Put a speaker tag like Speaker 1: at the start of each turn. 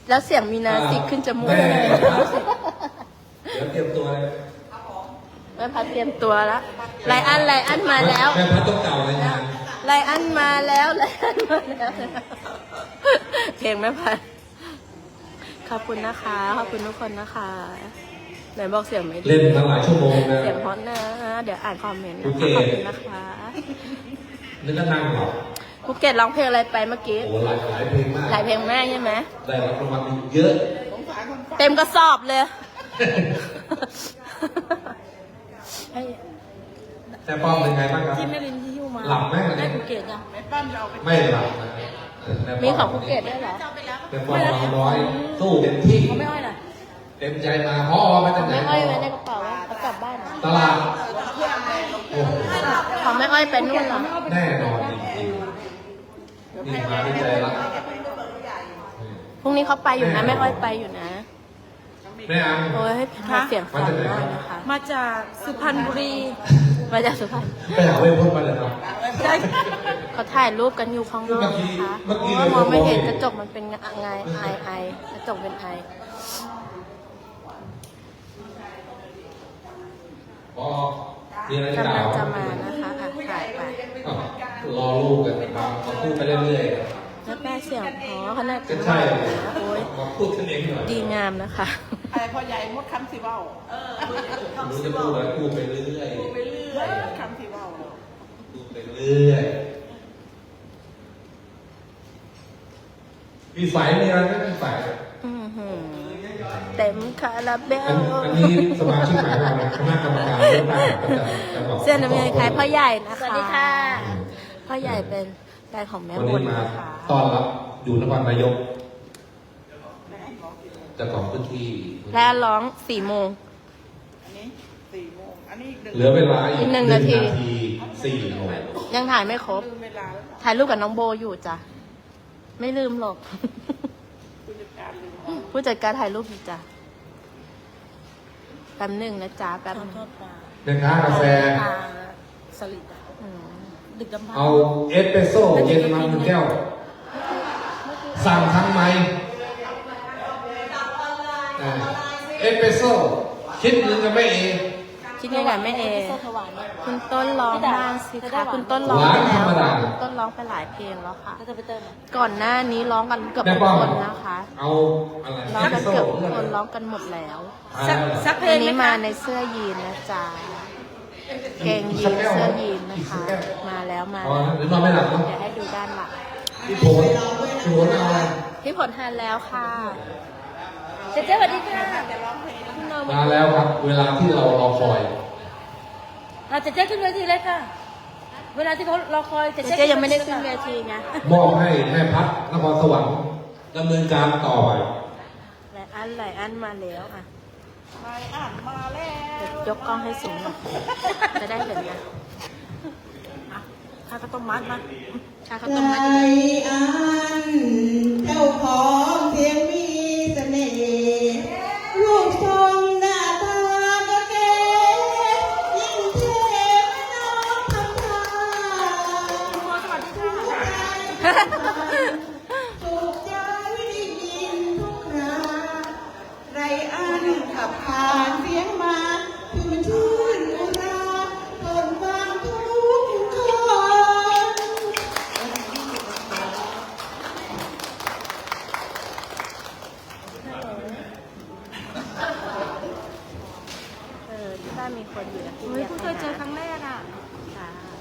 Speaker 1: แล้วเสียงมีนาสิกขึ้นจมูกเลย
Speaker 2: เดี๋ยวเตรียมตัวเลย
Speaker 1: แม่พัดเตรียมตัวแล้วไลอันมาแล้ว
Speaker 2: แม่พัดต้องเก่าเลยงาน
Speaker 1: ไลอันมาแล้วเพลงแม่พัดขอบคุณนะคะขอบคุณทุกคนนะคะไหนบอกเสียงไม่ดี
Speaker 2: เล่นมาหลายชั่วโมงนะ
Speaker 1: เสียงฮอตนะเดี๋ยวอ่านคอมเมนต์นะคะขอบคุณนะคะ
Speaker 2: นึกก็นั่งหรอ
Speaker 1: ภูเก็ตร้องเพลงอะไรไปเมื่อกี้
Speaker 2: โอ้หลายเพลงมาก
Speaker 1: หลายเพลงแม่ใช่ไหม
Speaker 2: ได้รับรางวัลเยอะ
Speaker 1: เต็มกระสอบเลย
Speaker 2: แต่ป้อมเป็นไงบ้างครับ
Speaker 3: ที่แม่ลินที่ฮิวมา
Speaker 2: หลับไหม
Speaker 3: ได้ภูเก็ตยัง
Speaker 2: ไม่หลับนะ
Speaker 1: มีของภูเก็ตด้วยเหรอ
Speaker 2: แต่ป้อมเราน้อยสู้เต็มที่
Speaker 3: เขาไม่อ้อยน่ะ
Speaker 2: เต็มใจมาฮอมาจากไหน
Speaker 1: แม่อ้อยไว้ในกระเป๋าเอากลับบ้านเหรอ
Speaker 2: ตลาดโอ้โห
Speaker 1: ของแม่อ้อยไปนู่นเหรอ
Speaker 2: แน่นอนจริงๆนี่มาด้วยใจรัก
Speaker 1: พรุ่งนี้เขาไปอยู่นะแม่อ้อยไปอยู่นะ
Speaker 2: แม่อัง
Speaker 1: โอ้ยเสียงฟังมากนะคะ
Speaker 3: มาจากสุพรรณบุรี
Speaker 1: มาจากสุพรรณ
Speaker 2: ไปหาเว้ยพ่นมาเลยครับ
Speaker 1: เขาถ่ายรูปกันอยู่ข้างนอกนะคะ
Speaker 2: เมื่อกี้
Speaker 1: เพราะว่ามองไม่เห็น
Speaker 2: เรามองเห็น
Speaker 1: กระจกมันเป็นไงไอกระจกเป็นไอ
Speaker 2: พอมีอะไรจะก
Speaker 1: กำ
Speaker 2: ล่า
Speaker 1: ลั
Speaker 2: ว
Speaker 1: งจะมานะคะอ่ะถ่ายไป
Speaker 2: อ้าวรอลูกกันครับมาพูดไปเรื่อย
Speaker 1: แล้วแม่เสียงเพอเขาน่า
Speaker 2: ๆ
Speaker 1: จะ
Speaker 2: ก็ใช่
Speaker 1: โอ้ย
Speaker 2: มาพูดกันเองหน่อย
Speaker 1: ดีงามนะคะ
Speaker 4: อะไรพอใหญ่มดคำสิเบ้า
Speaker 2: รู้จะพูดอะไรพูดไปเรื่อย
Speaker 4: ไปเรื่อยคำสิเบ้า
Speaker 2: พูดไปเรื่อยมีไฟมีอะไรไหมมีไฟ
Speaker 1: อื้อหือเต็มคาราเบล
Speaker 2: อันนี้สมาชิกใหม่ของเรานะคณะกรรมการเลือกตั้งประจำจังหวัด
Speaker 1: เสื้อน้ำเงินคล้ายพ่อใหญ่นะคะ
Speaker 3: สวัสดีค่ะ
Speaker 1: พ่อใหญ่เป็นแฟนของแม่
Speaker 2: วัน
Speaker 1: บุ
Speaker 2: นี้
Speaker 1: ญ
Speaker 2: มา
Speaker 1: นะคะ
Speaker 2: ต้อนรับอยู่นครนายกเจ้าของพื้นที่
Speaker 1: และร้อง4 โมง
Speaker 4: อันนี้4 โมงอันนี้1
Speaker 2: เหลือเวลาอี
Speaker 1: อี
Speaker 2: ก
Speaker 1: ก1 นาที
Speaker 2: 4 โมง
Speaker 1: ยังถ่ายไม่ครบ
Speaker 4: ลืมเวลาแล้ว
Speaker 1: ถ่ายรูปกับน้องโบอยู่จ้ะ ไม่ลืมหรอก
Speaker 4: ผู้จัดการลืม
Speaker 1: ผู้จัดการถ่ายรูปอยู่จ้ะ แป๊บหนึ่งนะจ๊ะ แป๊บ
Speaker 3: ขอ
Speaker 1: หนึง
Speaker 3: โทษปลา
Speaker 2: แม่ค้ากาแฟ
Speaker 3: ปลาสลิดอะ
Speaker 1: อืม
Speaker 3: ดึกดำบรร
Speaker 2: เอา
Speaker 3: พ์
Speaker 2: เอสเปรสโซ่เย็นมา1 แก้ว สั่งทั้งไม้เอสเปรสโซ่คิดเงินกันไม่เอง
Speaker 1: คิดยังไงแม่เอ
Speaker 3: โซถวายเนี่ย
Speaker 1: คุณต้นร้องบ้างสิ
Speaker 3: จะได้
Speaker 1: คะ
Speaker 3: หวาน
Speaker 1: คุณต้นร้อง
Speaker 2: หวาน
Speaker 1: ไป
Speaker 2: ธร
Speaker 1: แล้ว
Speaker 2: รมดา
Speaker 1: คุณต้นร้องไปหลายเพลงแล้วค่ะ
Speaker 3: ก็จะไปเติมอะ
Speaker 1: ก่อนหน้านี้ร้องกันเกือบ
Speaker 2: แม่
Speaker 1: ทุก
Speaker 2: ป้อม
Speaker 1: คนนะคะ
Speaker 2: เอาอะไร
Speaker 1: ร้อง
Speaker 2: เอสเปร
Speaker 1: กัน
Speaker 2: สโซ่
Speaker 1: เกือบทุกคนร้องกันหมดแล้ว
Speaker 3: สักเพล
Speaker 1: วั
Speaker 3: ง
Speaker 1: น
Speaker 3: ไหม
Speaker 1: นี้
Speaker 3: คะ
Speaker 1: มาในเสื้อยีนนะจ๊ะเกงยีนเสื้อยีนนะคะ มาแล้วมา
Speaker 2: อ๋อ
Speaker 1: แล้ว
Speaker 2: หรือนอนไม่หลับเนาะ
Speaker 1: เดี๋ยวให้ดูด้านหลัง
Speaker 2: พี่โผล่พี่โผล่เอาอะไร
Speaker 1: พี่ผลทานแล้วค่ะ
Speaker 3: เจ๊สวัสดีค่ะ
Speaker 1: คุณน
Speaker 2: มาแล้วครับ เวลาที่เรารอคอย
Speaker 3: เจ๊ขึ้นเวทีเลยค่ะ เวลาที่เขารอคอย
Speaker 1: เจ๊ยังไม่ได้ขึ้นเวทีไง
Speaker 2: มอบให้แม่พัดนครสวรรค์ดำเนินการต่อไป
Speaker 1: หลายอันมาแล้วอ่ะ
Speaker 4: นายอ่านมาแล้ว
Speaker 1: เดี๋ยวยกกล้องให้สูงหน่อยจะได้เห็นนะ
Speaker 3: ข้าวต้มมัดมา
Speaker 1: ชาข้าวต้มมัด
Speaker 5: ใจอันเจ้าของเสียงมีเสน่ห์ลูกทรงหน้าตาก็เก๋ยิ่งเท่น้องทำท่าถูกใจได้ยินทุกคราไรอันขับผ่านเสียงมาคือมันชื่นอุราทนฟังทุกคน
Speaker 1: ที่บ้านมีคนอยู่นะพี่
Speaker 3: เฮ้ย
Speaker 1: เรียก
Speaker 3: เพิ่งเคยเจอครั้งแรกอ่ะ
Speaker 1: ค่ะ